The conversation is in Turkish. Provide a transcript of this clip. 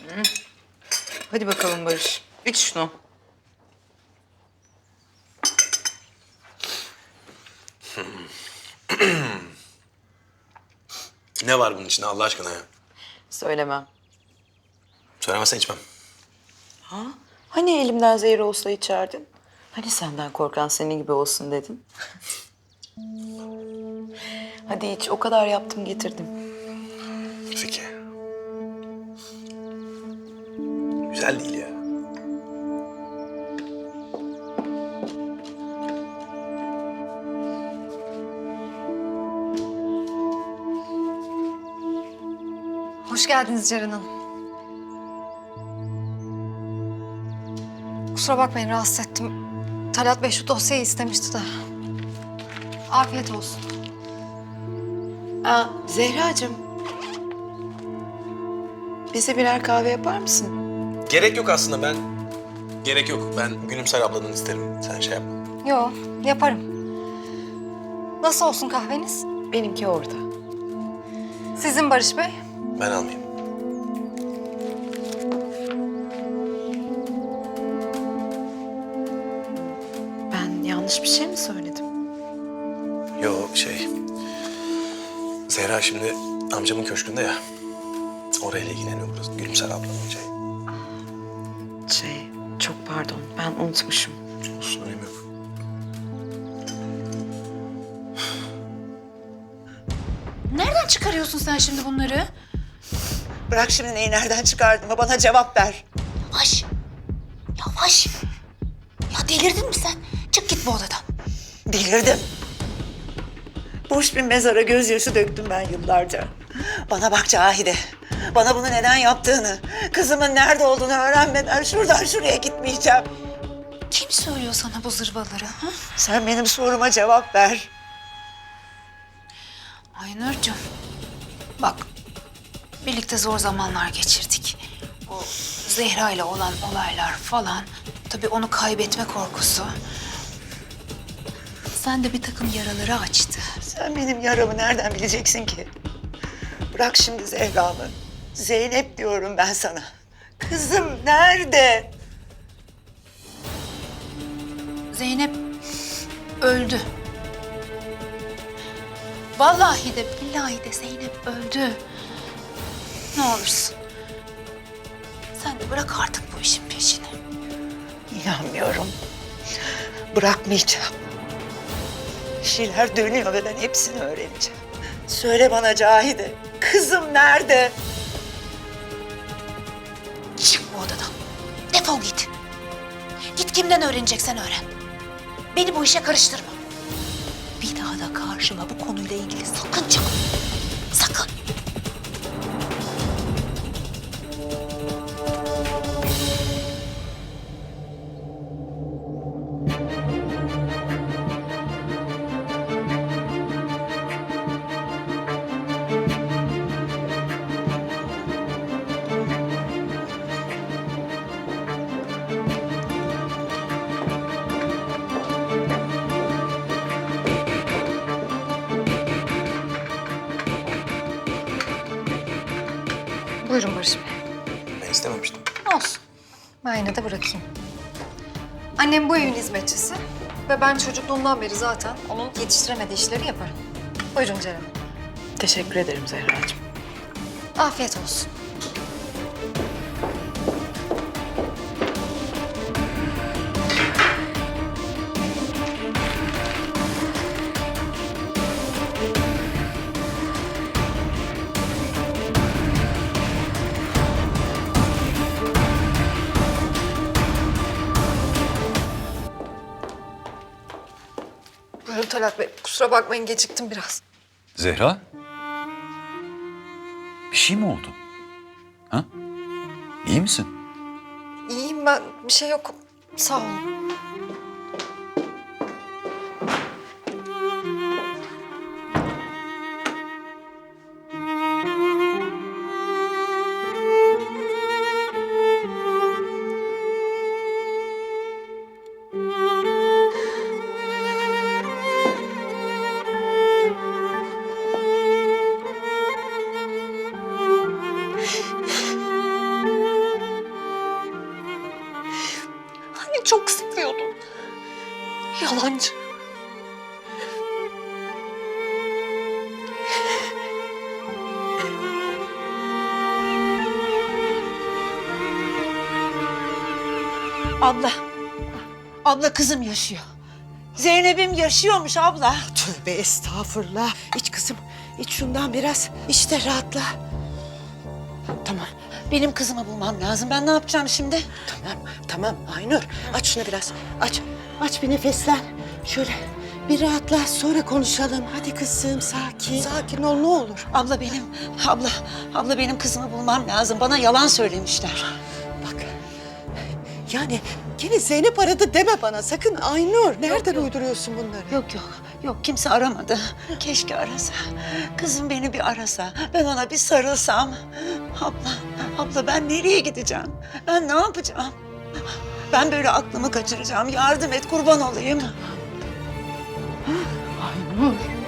Hadi bakalım Barış. İç şunu. Ne var bunun içinde Allah aşkına ya? Söylemem. Söylemezsen içmem. Hani elimden zehir olsa içerdin? Hani senden korkan senin gibi olsun dedin? Hadi iç. O kadar yaptım getirdim. Peki. Güzel değil ya. Hoş geldiniz Ceren Hanım. Kusura bakmayın rahatsız ettim. Talat Bey şu dosyayı istemişti de. Afiyet olsun. Zehracığım. Bize birer kahve yapar mısın? Gerek yok aslında ben... Gerek yok. Ben Gülümser ablanın isterim. Sen şey yapma. Yo, yaparım. Nasıl olsun kahveniz? Benimki orada. Sizin Barış Bey? Ben almayayım. Ben yanlış bir şey mi söyledim? Yo şey... Zehra şimdi amcamın köşkünde ya. Orayla ilgileniyor burası. Gülümser ablanın şey. Çok pardon. Ben unutmuşum. Olsun önemi yok. Nereden çıkarıyorsun sen şimdi bunları? Bırak şimdi neyi nereden çıkardığımı bana cevap ver. Yavaş. Yavaş. Ya delirdin mi sen? Çık git bu odadan. Delirdim. Boş bir mezara gözyaşı döktüm ben yıllarca. Bana bak Cahide. Bana bunu neden yaptığını, kızımın nerede olduğunu öğrenmeden şuradan şuraya gitmeyeceğim. Kim söylüyor sana bu zırvaları? Ha? Sen benim soruma cevap ver. Aynurcuğum. Bak. Birlikte zor zamanlar geçirdik. O Zehra ile olan olaylar falan. Tabii onu kaybetme korkusu. Sen de bir takım yaraları açtı. Sen benim yaramı nereden bileceksin ki? Bırak şimdi Zehra'mı. Zeynep diyorum ben sana. Kızım nerede? Zeynep öldü. Vallahi de billahi de Zeynep öldü. Ne olursun. Sen de bırak artık bu işin peşini. İnanmıyorum. Bırakmayacağım. Bir şeyler dönüyor ve ben hepsini öğreneceğim. Söyle bana Cahide, kızım nerede? Çık bu odadan. Defol git. Git kimden öğreneceksen öğren. Beni bu işe karıştırma. Bir daha da karşıma bu konuyla ilgili sakın çıkma. Sakın. Buyurun Barış Bey. Ben istememiştim. Olsun. Ben yine de bırakayım. Annem bu evin hizmetçisi. Ve ben çocukluğumdan beri zaten onun yetiştiremediği işleri yaparım. Buyurun Ceren Hanım. Teşekkür ederim Zehracığım. Afiyet olsun. Buyurun Talat Bey. Kusura bakmayın geciktim biraz. Zehra? Bir şey mi oldu? Ha? İyi misin? İyiyim ben. Bir şey yok. Sağ olun. Yalancı. Abla. Abla kızım yaşıyor. Zeynep'im yaşıyormuş abla. Tövbe estağfurullah. İç kızım, iç şundan biraz. İşte rahatla. Tamam, Benim kızımı bulmam lazım. Ben ne yapacağım şimdi? tamam Aynur. Aç şunu biraz. Aç bir nefeslen. Şöyle bir rahatla, sonra konuşalım. Hadi kızım, sakin. Sakin ol ne olur. Abla benim kızımı bulmam lazım. Bana yalan söylemişler. Bak, yani gene Zeynep aradı deme bana sakın Aynur. Nereden uyduruyorsun bunları? Yok kimse aramadı. Keşke arasa. Kızım beni bir arasa. Ben ona bir sarılsam. Abla ben nereye gideceğim? Ben ne yapacağım? Ben böyle aklımı kaçıracağım. Yardım et, kurban olayım. Aynur.